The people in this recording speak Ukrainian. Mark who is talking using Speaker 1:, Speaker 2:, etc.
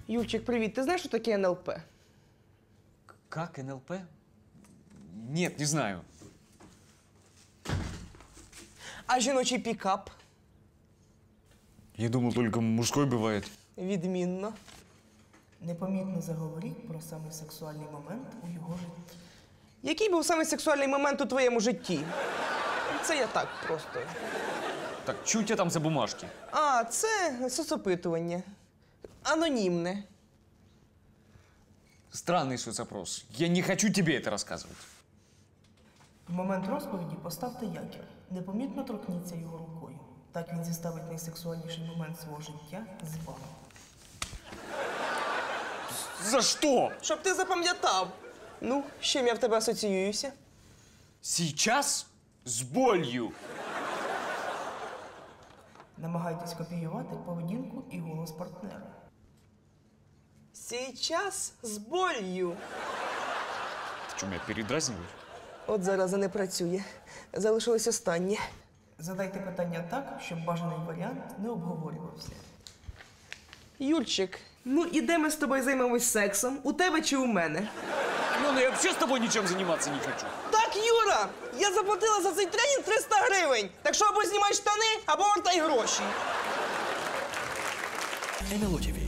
Speaker 1: Юрчик, привіт. Ти знаєш, що таке НЛП?
Speaker 2: Как НЛП? Нет, не знаю.
Speaker 1: А жіночий пікап?
Speaker 2: Я думал, только мужской бывает.
Speaker 1: Відмінно. Непомітно заговоріть про самий сексуальний момент у його житті. Який був самий сексуальний момент у твоєму житті? Це я так просто.
Speaker 2: Так, что у тебя там за бумажки?
Speaker 1: А, це соцопитування. Анонімне.
Speaker 2: Странный соцопрос. Я не хочу тебе это рассказывать.
Speaker 1: В момент розповіді поставте якір. Непомітно торкніться його рукою. Так він зіставить найсексуальніший момент свого життя з вами.
Speaker 2: За что?
Speaker 1: Щоб ти запам'ятав. Ну, з чим я в тебе асоціююся?
Speaker 2: Сейчас? С болью.
Speaker 1: Намагайтесь копіювати поведінку і голос партнера. Сейчас з болью.
Speaker 2: Ты что, меня передразниваешь?
Speaker 1: От зараза не працює. Залишилось останнє. Задайте питання так, щоб бажаний варіант не обговорювався. Юрчик, ну і де ми з тобою займемось сексом? У тебе чи у мене?
Speaker 2: Алена, я вообще с тобой ничем заниматься не хочу.
Speaker 1: Так, Юра! Я заплатила за цей тренінг 300 гривень. Так що або знімай штани, або вертай гроші.
Speaker 3: НЛО ТВ.